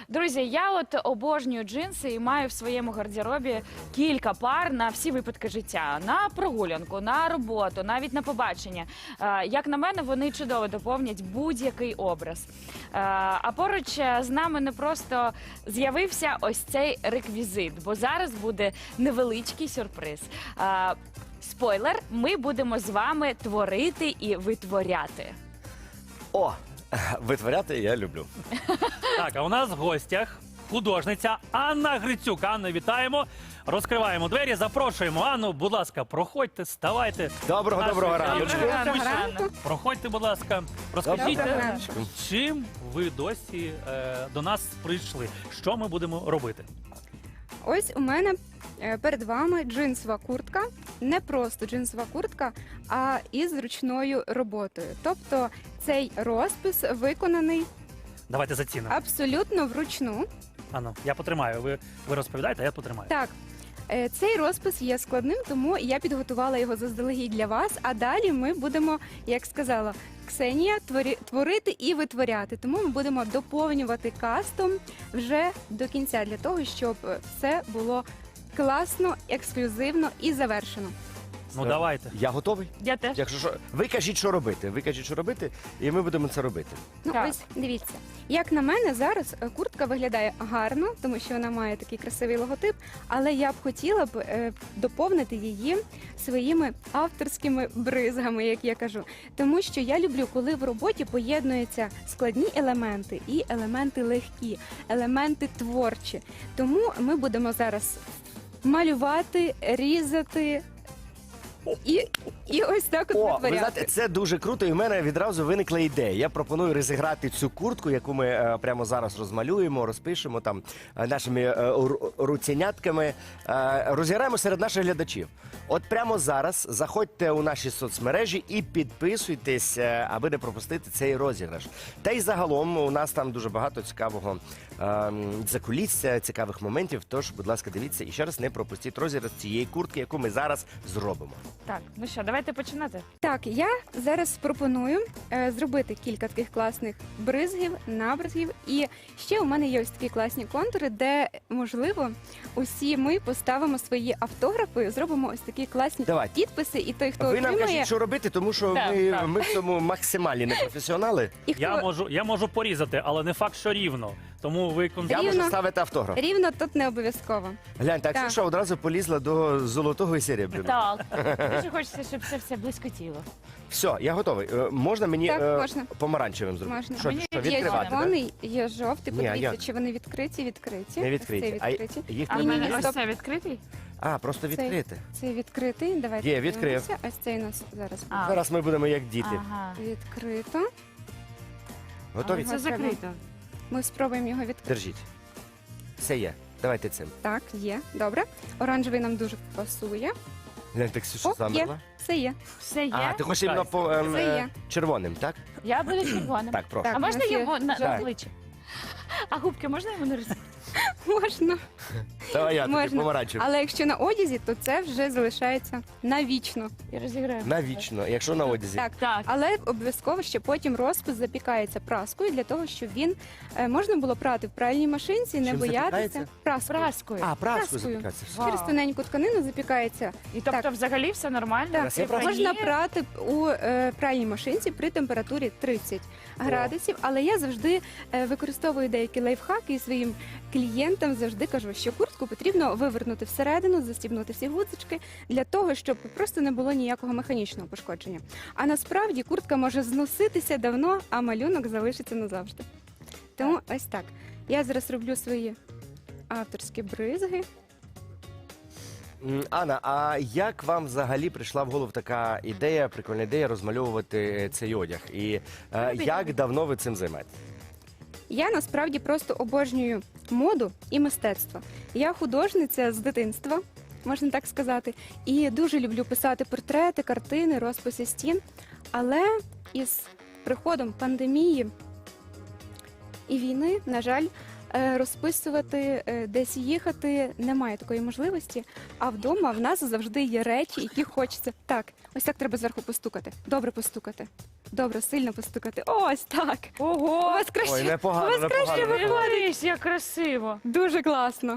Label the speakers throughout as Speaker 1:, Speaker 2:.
Speaker 1: Друзі, я от обожнюю джинси і маю в своєму гардеробі кілька пар на всі випадки життя. На прогулянку, на роботу, навіть на побачення. Як на мене, вони чудово доповнять будь-який образ. А поруч з нами не просто з'явився ось цей реквізит, бо зараз буде невеличкий сюрприз. Спойлер, ми будемо з вами творити і витворяти.
Speaker 2: О, витворяти я люблю.
Speaker 3: Так, а у нас в гостях художниця Анна Грицюк. Анна, вітаємо. Розкриваємо двері, запрошуємо Анну. Будь ласка, проходьте, ставайте.
Speaker 2: Доброго
Speaker 3: Нашої
Speaker 2: раночку.
Speaker 1: Доброго ранку.
Speaker 3: Проходьте, будь ласка. Розкажіть,
Speaker 2: Доброго
Speaker 1: раночку.
Speaker 3: чим ви досі до нас прийшли? Що ми будемо робити?
Speaker 4: Ось у мене перед вами джинсова куртка. Не просто джинсова куртка, а із ручною роботою. Тобто цей розпис виконаний
Speaker 3: Давайте зацінимо.
Speaker 4: абсолютно вручну.
Speaker 3: Анна, я потримаю. Ви розповідаєте, а я потримаю.
Speaker 4: Так, цей розпис є складним, тому я підготувала його заздалегідь для вас. А далі ми будемо, як сказала Ксенія, творити і витворяти. Тому ми будемо доповнювати кастом вже до кінця, для того, щоб все було класно, ексклюзивно і завершено.
Speaker 3: Ну давайте.
Speaker 2: Я готовий.
Speaker 1: Я теж.
Speaker 2: Якщо що, ви кажіть, що робити. Ви кажіть, що робити, і ми будемо це робити.
Speaker 4: Ну,
Speaker 1: Так.
Speaker 4: ось дивіться. Як на мене, зараз куртка виглядає гарно, тому що вона має такий красивий логотип, але я б хотіла б доповнити її своїми авторськими бризгами, як я кажу. Тому що я люблю, коли в роботі поєднуються складні елементи і елементи легкі, елементи творчі. Тому ми будемо зараз малювати, різати і ось так от
Speaker 2: О, ви
Speaker 4: витворяти.
Speaker 2: знаєте, це дуже круто, і в мене відразу виникла ідея. Я пропоную розіграти цю куртку, яку ми прямо зараз розмалюємо, розпишемо там нашими руценятками. Розіграємо серед наших глядачів. От прямо зараз заходьте у наші соцмережі і підписуйтесь, аби не пропустити цей розіграш. Та й загалом у нас там дуже багато цікавого закулісся, цікавих моментів. Тож, будь ласка, дивіться і ще раз не пропустіть розіграш цієї куртки, яку ми зараз зробимо.
Speaker 1: Так, ну що, давайте починати.
Speaker 4: Так, я зараз пропоную зробити кілька таких класних бризгів, набризгів. І ще у мене є ось такі класні контури, де, можливо, усі ми поставимо свої автографи, зробимо ось такі класні
Speaker 2: Давайте.
Speaker 4: підписи, і той, хто
Speaker 2: Ви нам
Speaker 4: отримає,
Speaker 2: кажіть, що робити, тому що
Speaker 1: Так,
Speaker 2: ми,
Speaker 1: так.
Speaker 2: ми в цьому максимальні непрофесіонали.
Speaker 4: і хто
Speaker 3: Я можу порізати, але не факт, що рівно. Тому ви
Speaker 2: Я
Speaker 3: конкретно.
Speaker 4: Рівно.
Speaker 2: можу ставити автограф.
Speaker 4: рівно тут не обов'язково.
Speaker 2: Глянь, так
Speaker 4: Так.
Speaker 2: що одразу полізла до золотого і серебряного.
Speaker 1: Так. Дуже хочеться, щоб це все блискотіло.
Speaker 2: Все, я готовий. Можна мені
Speaker 4: Так, можна.
Speaker 2: помаранчевим зробити?
Speaker 4: Можна.
Speaker 2: Що,
Speaker 1: Мені
Speaker 2: що
Speaker 1: є
Speaker 2: відкривати?
Speaker 1: червоний.
Speaker 2: Да?
Speaker 4: Червоний, є жовтий,
Speaker 2: Ні,
Speaker 4: подивіться,
Speaker 2: як?
Speaker 4: чи вони відкриті.
Speaker 2: Не
Speaker 4: Ось
Speaker 2: відкриті.
Speaker 4: цей відкриті.
Speaker 2: Їх
Speaker 1: А в
Speaker 4: Ні,
Speaker 1: мене
Speaker 4: ні,
Speaker 1: ось
Speaker 4: стоп.
Speaker 1: це відкритий?
Speaker 2: просто
Speaker 4: Цей-
Speaker 2: відкрити.
Speaker 4: Цей відкритий. Давайте
Speaker 2: Є, відкрив.
Speaker 4: подивимося. Ось цей у нас зараз
Speaker 1: А.
Speaker 2: Зараз ми будемо як діти.
Speaker 1: Ага.
Speaker 4: відкрито.
Speaker 2: Готові?
Speaker 1: Це закрито.
Speaker 4: Ми спробуємо його відкрити.
Speaker 2: Держіть. Все є. Давайте цим.
Speaker 4: Так, є. Добре. Оранжевий нам дуже пасує.
Speaker 2: Глянь, так Ксюша
Speaker 4: О,
Speaker 2: замерла.
Speaker 4: Все є.
Speaker 1: Все є?
Speaker 2: А, ти хочеш іменно по
Speaker 4: Це є.
Speaker 2: червоним, так?
Speaker 1: Я буду червоним.
Speaker 2: Так, прошу.
Speaker 4: Так.
Speaker 1: А
Speaker 4: у
Speaker 1: можна
Speaker 4: нас є
Speaker 1: його на
Speaker 4: жовтий.
Speaker 1: обличчя? А губки можна йому нарисувати?
Speaker 4: Можна.
Speaker 2: Давай я тобі
Speaker 4: Можна.
Speaker 2: помаранчевим.
Speaker 4: Але якщо на одязі, то це вже залишається навічно.
Speaker 1: Я розіграю.
Speaker 2: Навічно, якщо на одязі.
Speaker 4: Так.
Speaker 1: Так.
Speaker 4: Але обов'язково ще потім розпис запікається праскою для того, щоб він можна було прати в пральній машинці, не
Speaker 2: Чим
Speaker 4: боятися.
Speaker 2: запікається?
Speaker 4: Праскою.
Speaker 1: Праскою.
Speaker 2: А, праскою
Speaker 4: Праскою.
Speaker 2: запікається. Все.
Speaker 1: Вау.
Speaker 4: Через тоненьку тканину запікається.
Speaker 1: І тобто
Speaker 4: Так.
Speaker 1: взагалі все нормально?
Speaker 4: Так,
Speaker 2: Це правда.
Speaker 4: можна прати у пральній машинці при температурі 30 градусів, але я завжди використовую деякі лайфхаки і своїм клієнтам завжди кажу, що куртку потрібно вивернути всередину, застібнути всі гудзички для того, щоб просто не було ніякого механічного пошкодження. А насправді куртка може зноситися давно, а малюнок залишиться назавжди. Тому ось так. Я зараз роблю свої авторські бризги.
Speaker 2: Анна, а як вам взагалі прийшла в голову така ідея, прикольна ідея розмальовувати цей одяг? І як давно ви цим займаєтесь?
Speaker 4: Я насправді просто обожнюю моду і мистецтво. Я художниця з дитинства, можна так сказати, і дуже люблю писати портрети, картини, розписи стін. Але із приходом пандемії і війни, на жаль, розписувати, десь їхати. Немає такої можливості. А вдома в нас завжди є речі, які хочеться. Так, ось так треба зверху постукати. Добре постукати. Добре, сильно постукати. Ось так. У
Speaker 1: Ого!
Speaker 4: вас краще,
Speaker 2: Ой, непогано,
Speaker 4: у вас краще
Speaker 2: непогано.
Speaker 1: Дивись, як красиво.
Speaker 4: Дуже класно.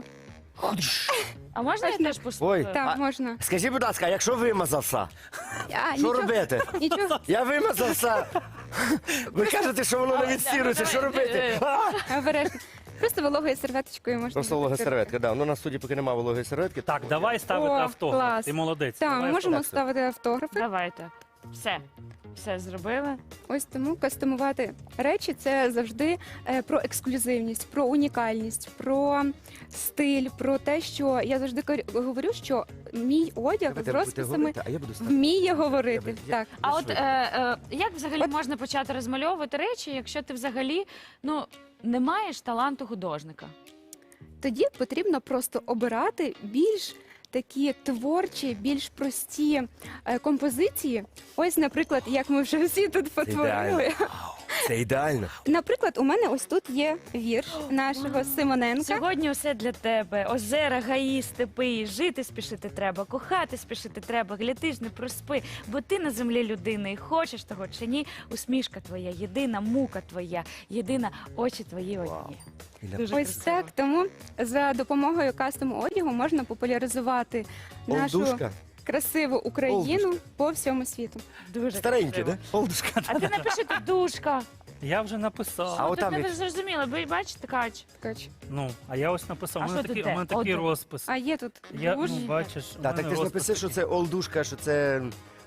Speaker 1: А можна я теж постукаю?
Speaker 2: Ой,
Speaker 4: Так,
Speaker 2: А-
Speaker 4: можна.
Speaker 2: Скажіть, будь ласка, а якщо вимазався,
Speaker 4: А,
Speaker 2: що робити?
Speaker 4: Нічого.
Speaker 2: Я вимазався. Ви кажете, що воно не відстірується, що робити? А!
Speaker 4: Обережно. Просто вологою серветочкою можна.
Speaker 2: Просто волога
Speaker 4: витерти.
Speaker 2: серветка, да. Ну, у нас в студії поки немає вологої серветки.
Speaker 3: Так, давай ставити
Speaker 4: О,
Speaker 3: автограф.
Speaker 4: клас.
Speaker 3: Ти молодець.
Speaker 4: Так,
Speaker 3: Давай
Speaker 4: ми можемо
Speaker 3: автограф.
Speaker 4: ставити автографи.
Speaker 1: Давайте. Все зробили.
Speaker 4: Ось тому кастомувати речі це завжди про ексклюзивність, про унікальність, про стиль, про те, що я завжди говорю, що мій одяг
Speaker 2: Ви
Speaker 4: з
Speaker 2: будете
Speaker 4: розписами
Speaker 2: говорити, а я буду ставити.
Speaker 4: вміє говорити.
Speaker 2: Я-
Speaker 4: Так.
Speaker 1: А
Speaker 2: Ви
Speaker 1: от
Speaker 2: швидко.
Speaker 1: як взагалі можна почати розмальовувати речі, якщо ти взагалі не маєш таланту художника?
Speaker 4: Тоді потрібно просто обирати більш такі творчі, більш прості композиції. Ось, наприклад, як ми вже всі тут потворили.
Speaker 2: Це ідеально.
Speaker 4: Наприклад, у мене ось тут є вірш нашого Симоненка.
Speaker 1: Сьогодні усе для тебе. Озера, гаї, степи. Жити спішити треба, кохати спішити треба. Гляди ж не проспи, бо ти на землі людина. І хочеш того чи ні, усмішка твоя, єдина мука твоя, єдина очі твої одні. Дуже
Speaker 4: Ось
Speaker 1: красиво.
Speaker 4: так, тому за допомогою кастому одягу можна популяризувати нашу
Speaker 2: Олдушка.
Speaker 4: красиву Україну
Speaker 2: Олдушка.
Speaker 4: по всьому світу.
Speaker 1: Дуже
Speaker 2: Старенький,
Speaker 1: красиво.
Speaker 2: да? Олдушка.
Speaker 1: А ти напиши тут душка.
Speaker 3: Я вже написав.
Speaker 2: А от
Speaker 1: Тут
Speaker 2: там
Speaker 1: не
Speaker 2: як-
Speaker 1: зрозуміло, бачите, ткач.
Speaker 4: Ткач.
Speaker 3: Ну, а я ось написав.
Speaker 1: А
Speaker 3: У мене
Speaker 1: що ти
Speaker 3: такий, у мене
Speaker 1: де?
Speaker 3: такий
Speaker 1: От.
Speaker 3: розпис.
Speaker 4: А є тут
Speaker 3: Я,
Speaker 4: душ.
Speaker 3: ну, бачиш, у
Speaker 2: Так,
Speaker 3: мене
Speaker 2: так ти ж
Speaker 3: розпис
Speaker 2: напиши, що це олдушка, що це.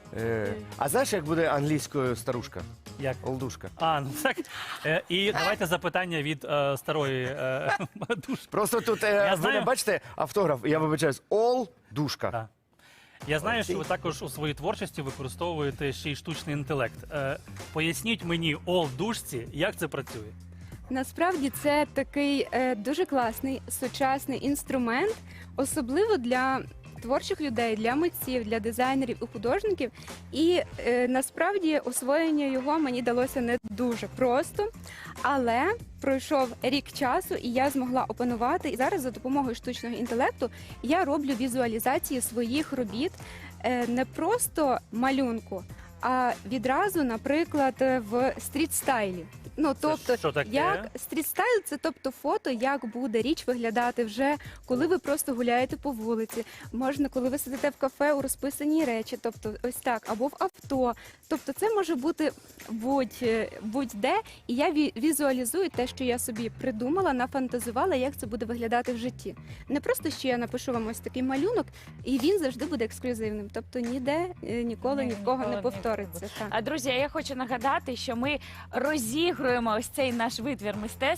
Speaker 2: А знаєш, як буде англійською старушка?
Speaker 3: Як?
Speaker 2: Олдушка.
Speaker 3: А, ну так. І давайте запитання від старої душі.
Speaker 2: Просто тут
Speaker 3: Я
Speaker 2: ви
Speaker 3: знаю.
Speaker 2: не бачите автограф, я вибачаюсь, олдушка.
Speaker 3: Так. Я знаю, що ви також у своїй творчості використовуєте ще й штучний інтелект. Поясніть мені, душці, як це працює?
Speaker 4: Насправді це такий дуже класний сучасний інструмент, особливо для творчих людей, для митців, для дизайнерів і художників. І насправді освоєння його мені далося не дуже просто, але пройшов рік часу, і я змогла опанувати. І зараз за допомогою штучного інтелекту я роблю візуалізації своїх робіт не просто малюнку, а відразу, наприклад, в стріт-стайлі. Ну, тобто,
Speaker 3: що таке?
Speaker 4: як стріт-стайл, це тобто фото, як буде річ виглядати вже, коли ви просто гуляєте по вулиці. Можна, коли ви сидите в кафе у розписаній речі, тобто ось так, або в авто. Тобто це може бути будь-де, і я візуалізую те, що я собі придумала, нафантазувала, як це буде виглядати в житті. Не просто, що я напишу вам ось такий малюнок, і він завжди буде ексклюзивним. Тобто ніде ніколи ні в кого
Speaker 1: Ніколи
Speaker 4: не повториться. Так.
Speaker 1: А друзі, я хочу нагадати, що ми розігруємо ось цей наш витвір мистецтва.